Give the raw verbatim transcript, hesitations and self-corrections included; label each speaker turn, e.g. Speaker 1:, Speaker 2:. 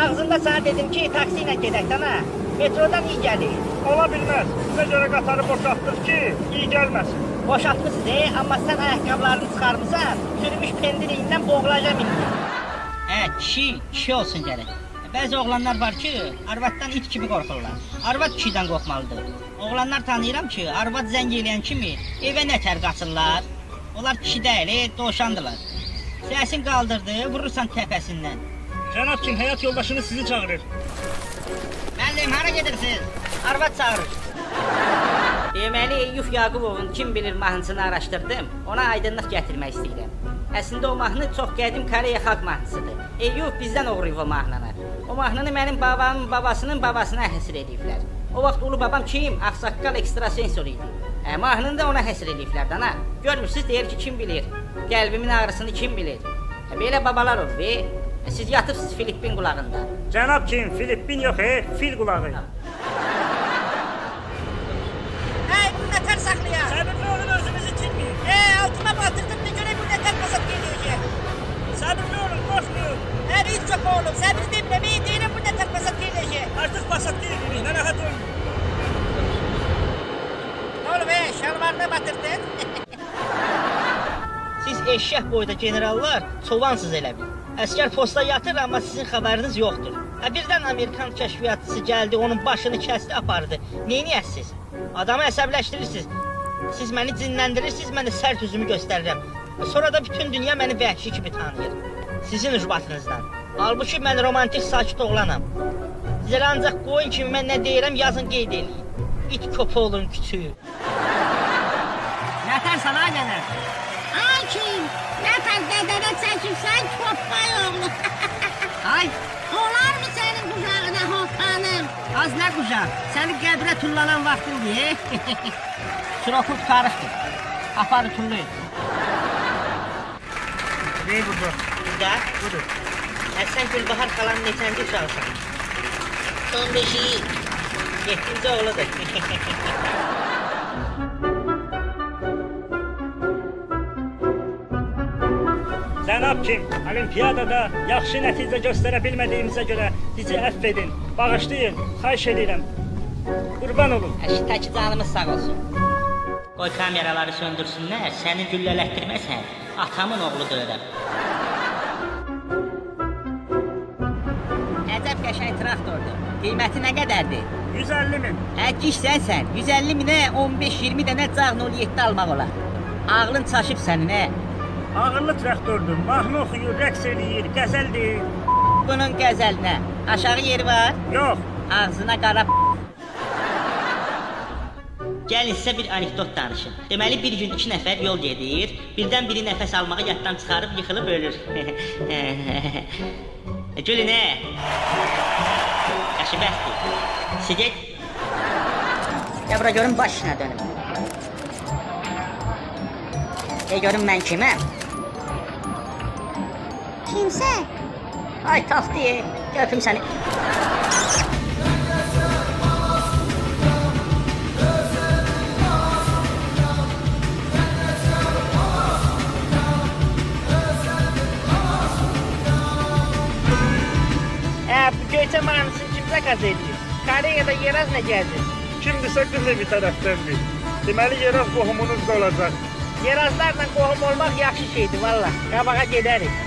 Speaker 1: Ağzında sana dedim ki, taksi ilə gedək dana. Metrodan iyi gəlir.
Speaker 2: Ola bilməz. Bizə görə qatarı boşaltdıq ki, iyi gəlməsin.
Speaker 1: Boşaltmışsın, e? Amma sən ayaqqabılarını çıxarmısan, sürmüş pendiriyindən boğulacam indi.
Speaker 3: Hə, kişi, kişi olsun gərək. Bəzi oğlanlar var ki, arvaddan it kimi qorxurlar. Arvad kişidən qorxmalıdır. Oğlanlar tanıyıram ki, arvad zəng eləyən kimi evə nətər qaçırlar. Onlar kişi deyil, e, dovşandılar. Səsin qaldırdı, vurursan təpəsindən.
Speaker 2: Cənab kim, həyat yoldaşınız sizi çağırır.
Speaker 3: Müəllim, hara gedirsiniz?
Speaker 1: Arvad çağırır.
Speaker 3: Deməli, Eyyub Yaqubovun kim bilir mahnısını araşdırdım, ona aydınlıq gətirmək istəyirəm. Əslində o mahnı çox qədim Koreya xalq mahnısıdır. Eyyub bizdən oğruyub o mahnını. O mahnını mənim babamın babasının babasına həsr ediblər. O vaxt ulu babam kim? Ağsaqqal ekstrasensor idi. Hə, mahnını da ona həsr ediblər dana. Görmürsünüz, deyir ki, kim bilir? Qəlbimin ağrısını kim bilir? Hə, belə babalar olur, be. Hə, siz yatırsınız Filippin qulağında.
Speaker 2: Cənab kim, Filippin yox, e, fil qulağı.
Speaker 1: Hey, bu nətər saxlayaq?
Speaker 2: Səbirli olun, özünüzü itirməyin.
Speaker 1: E, altıma batırdım, ne görə bu nətər basat geliyor?
Speaker 2: Səbirli olun, qorxmayın.
Speaker 1: Hə, hiç çok oğlum, səbir demləməyi deyirəm, bu nətər basat geliyor?
Speaker 2: Artıq basat deyilik, narahat olun.
Speaker 1: Ne oldu be, şalvarına batırdın?
Speaker 3: Siz eşşək boyda generallar çovansız elə bil. Əskər posta yatır, amma sizin xəbəriniz yoxdur. Hə, birdən Amerikan kəşfiyyatçısı gəldi, onun başını kəsdi, apardı. Neyniyəsiz? Adamı əsəbləşdirirsiniz. Siz məni cinləndirirsiniz, mən də sərt üzümü göstərirəm. Sonra da bütün dünya məni vəhşi kimi tanıyır. Sizin ucbatınızdan. Halbuki mən romantik sakit oğlanam. Sizə ancaq qoyun kimi mən nə deyirəm, yazın qeyd eləyin. İt köpəğinin küçüyü.
Speaker 1: Nətər sana gəlir?
Speaker 4: Ay kim? Nətər dədədə çəkirsən köpək oğlu?
Speaker 1: Ay,
Speaker 4: Olar mı sənin qucağına hoppanım?
Speaker 1: az nə qucaq, səni qəbrə tullanan vaxtın deyə. Suroku tutarıqdır. Aparı tullayın.
Speaker 2: Ney burada?
Speaker 3: Burada?
Speaker 2: Budur.
Speaker 3: Həsən Gülbahar xalanın neçənci uşaqsan? on beşi. yeddinci oğludur.
Speaker 2: Cənab kim, olimpiyadada yaxşı nəticə göstərə bilmədiyimizə görə bizi əff edin, bağışlayın, xahiş edirəm. Qurban olun.
Speaker 3: Əşitəki canımız sağ olsun. Qoy kameraları söndürsünlər, səni güllələtdirməsən, atamın oğlu döyürəm.
Speaker 1: Əcəb qəşəng traktordur. Qiyməti nə qədərdir?
Speaker 2: yüz əlli min.
Speaker 1: Hə, gişsən sən. yüz əlli minə on beş iyirmi dənə cağ nol yeddi almaq olar. Ağlın çaşıb sənin, hə?
Speaker 2: Ağırlı traktordur, mahnı oxuyur, rəqs eləyir, qəzəl deyir.
Speaker 1: Bunun qəzəlinə aşağı yeri var,
Speaker 2: Yox,
Speaker 1: ağzına qara
Speaker 3: Gəlin sizə bir anekdot danışım. Deməli bir gün iki nəfər yol gedir, birdən biri nəfəs almağı yaddan çıxarıb yıxılıb ölür. Gülün, hə? Yaşı bəsdir. Siget.
Speaker 1: Ya bura görün başına dönüm. De görün mən kiməm?
Speaker 4: Kimsən?
Speaker 1: Ay taxtı, götüm səni. Hə, bu göyçə mahnısını kim zakaz edir? Koreyada Yeraz nə gəzir?
Speaker 2: kimdirsə qız evi tərəfdəndir. Deməli, yeraz qohumunuz da olacaq.
Speaker 1: Yerazlarla qohum olmaq yaxşı şeydir valla. Qabağa gedərik.